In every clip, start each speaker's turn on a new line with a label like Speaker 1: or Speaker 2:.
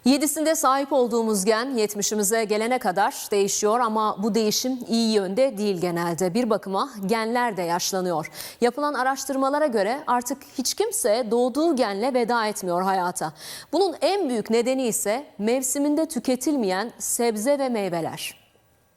Speaker 1: 7'sinde sahip olduğumuz gen 70'imize gelene kadar değişiyor ama bu değişim iyi yönde değil genelde. Bir bakıma genler de yaşlanıyor. Yapılan araştırmalara göre artık hiç kimse doğduğu genle veda etmiyor hayata. Bunun en büyük nedeni ise mevsiminde tüketilmeyen sebze ve meyveler.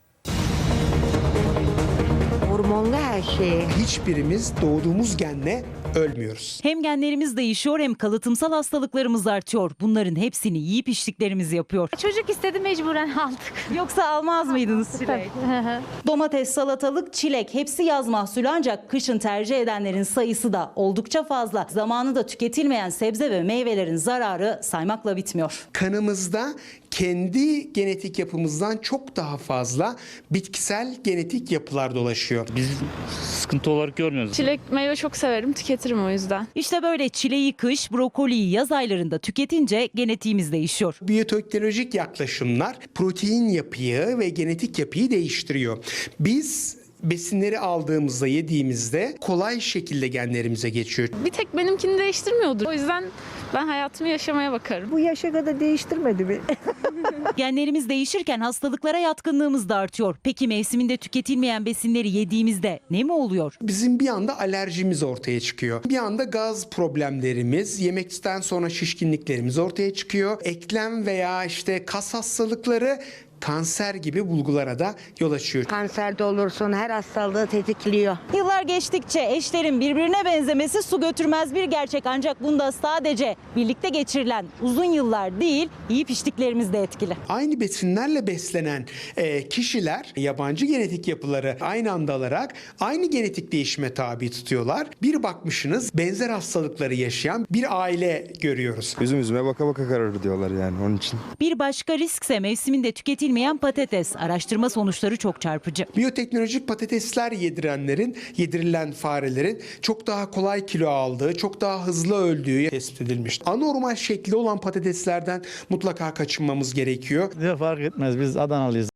Speaker 2: Hormonlu her şeye.
Speaker 3: Hiçbirimiz doğduğumuz genle ölmüyoruz.
Speaker 4: Hem genlerimiz değişiyor hem kalıtımsal hastalıklarımız artıyor. Bunların hepsini yiyip içtiklerimiz yapıyor.
Speaker 5: Çocuk istedi, mecburen aldık.
Speaker 4: Yoksa almaz mıydınız çilek? Domates, salatalık, çilek hepsi yaz mahsulü ancak kışın tercih edenlerin sayısı da oldukça fazla. Zamanında tüketilmeyen sebze ve meyvelerin zararı saymakla bitmiyor.
Speaker 3: Kanımızda kendi genetik yapımızdan çok daha fazla bitkisel genetik yapılar dolaşıyor.
Speaker 6: Biz sıkıntı olarak görmüyoruz.
Speaker 5: Çilek meyve çok severim, tüketirim o yüzden.
Speaker 4: İşte böyle çileği kış, brokoliyi yaz aylarında tüketince genetiğimiz değişiyor.
Speaker 3: Biyoteknolojik yaklaşımlar protein yapıyı ve genetik yapıyı değiştiriyor. Biz besinleri aldığımızda, yediğimizde kolay şekilde genlerimize geçiyor.
Speaker 5: Bir tek benimkini değiştirmiyordur. O yüzden ben hayatımı yaşamaya bakarım.
Speaker 2: Bu yaşa kadar değiştirmedi mi?
Speaker 4: Genlerimiz değişirken hastalıklara yatkınlığımız da artıyor. Peki mevsiminde tüketilmeyen besinleri yediğimizde ne mi oluyor?
Speaker 3: Bizim bir anda alerjimiz ortaya çıkıyor. Bir anda gaz problemlerimiz, yemekten sonra şişkinliklerimiz ortaya çıkıyor. Eklem veya kas hastalıkları, kanser gibi bulgulara da yol açıyor.
Speaker 2: Kanserde olursun, her hastalığı tetikliyor.
Speaker 4: Yıllar geçtikçe eşlerin birbirine benzemesi su götürmez bir gerçek. Ancak bunda sadece birlikte geçirilen uzun yıllar değil, yiyip içtiklerimiz de etkili.
Speaker 3: Aynı besinlerle beslenen kişiler yabancı genetik yapıları aynı anda alarak aynı genetik değişime tabi tutuyorlar. Bir bakmışsınız benzer hastalıkları yaşayan bir aile görüyoruz.
Speaker 7: Üzüm üzüme baka baka kararır diyorlar yani onun için.
Speaker 4: Bir başka riskse mevsiminde tüketilmeyen patates. Araştırma sonuçları çok çarpıcı.
Speaker 3: Biyoteknolojik patatesler yedirilen farelerin çok daha kolay kilo aldığı, çok daha hızlı öldüğü tespit edilmiş. Anormal şekli olan patateslerden mutlaka kaçınmamız gerekiyor.
Speaker 6: Bize fark etmez, biz Adanalıyız.